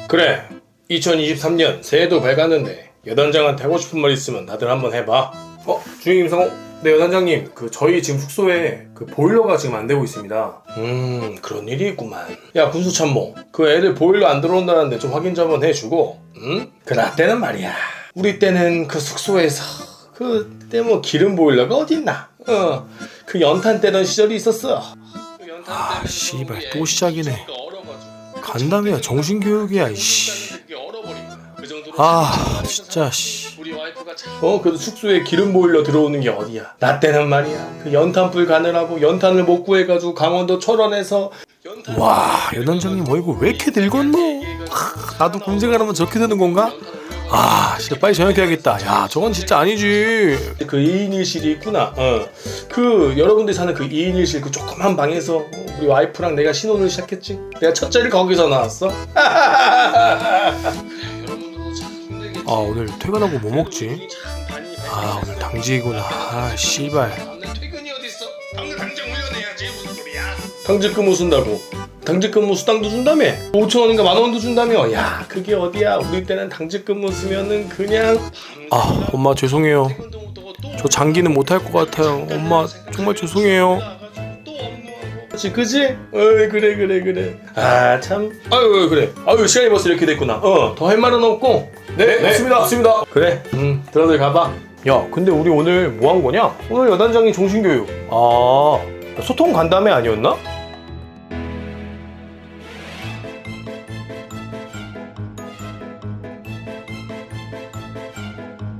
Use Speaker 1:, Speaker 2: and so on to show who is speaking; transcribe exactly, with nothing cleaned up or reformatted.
Speaker 1: 그래, 이천이십삼 년 새해도 밝았는데 여단장한테 하고 싶은 말 있으면 다들 한번 해봐.
Speaker 2: 어? 주임 성호? 네, 여단장님, 그 저희 지금 숙소에 그 보일러가 지금 안 되고 있습니다.
Speaker 1: 음, 그런 일이 있구만. 야, 군수참모, 그 애들 보일러 안 들어온다는데 좀 확인 좀 한번 해주고. 응? 그 나 때는 말이야, 우리 때는 그 숙소에서 그때 뭐 기름 보일러가 어딨나. 어, 그 연탄 떼던 시절이 있었어.
Speaker 2: 아, 씨발, 또 시작이네. 간담회야 정신교육이야, 이씨. 아, 진짜, 씨.
Speaker 1: 어, 그래도 숙소에 기름 보일러 들어오는 게 어디야. 나 때는 말이야, 그 연탄불 가느라고 연탄을 못 구해가지고 강원도 철원에서
Speaker 2: 와, 여단장님 얼굴 왜 이렇게 늙었노? 하, 나도 군생활하면 저렇게 되는 건가? 아, 진짜 빨리 전역해야겠다. 야, 저건 진짜 아니지.
Speaker 1: 그 이 인 일 실이 있구나. 어. 그 여러분들이 사는 그 이 인 일 실 그 조그만 방에서 우리 와이프랑 내가 신혼을 시작했지. 내가 첫째를 거기서 낳았어.
Speaker 2: 아, 오늘 퇴근하고 뭐 먹지? 아, 오늘 당직이구나. 아, 씨발.
Speaker 1: 퇴근이 어딨어? 당장 당장 훈련해야지. 무슨 소리야? 당직 근무 쓴다고. 당직 근무 수당도 준다며? 오천 원인가 만 원도 준다며? 야, 그게 어디야? 우리 때는 당직 근무 쓰면은 그냥
Speaker 2: 아, 엄마 죄송해요. 저 장기는 못할 것 같아요. 엄마 정말 죄송해요.
Speaker 1: 그치, 그치? 어이, 그래 그래 그래. 아, 참. 아유, 그래. 아유, 시간이 벌써 이렇게 됐구나. 어, 더 할 말은 없고.
Speaker 2: 네, 맞습니다. 맞습니다.
Speaker 1: 그래. 음, 들어들 가봐.
Speaker 2: 야, 근데 우리 오늘 뭐 한 거냐? 오늘 여단장이 정신교육. 아, 소통 간담회 아니었나?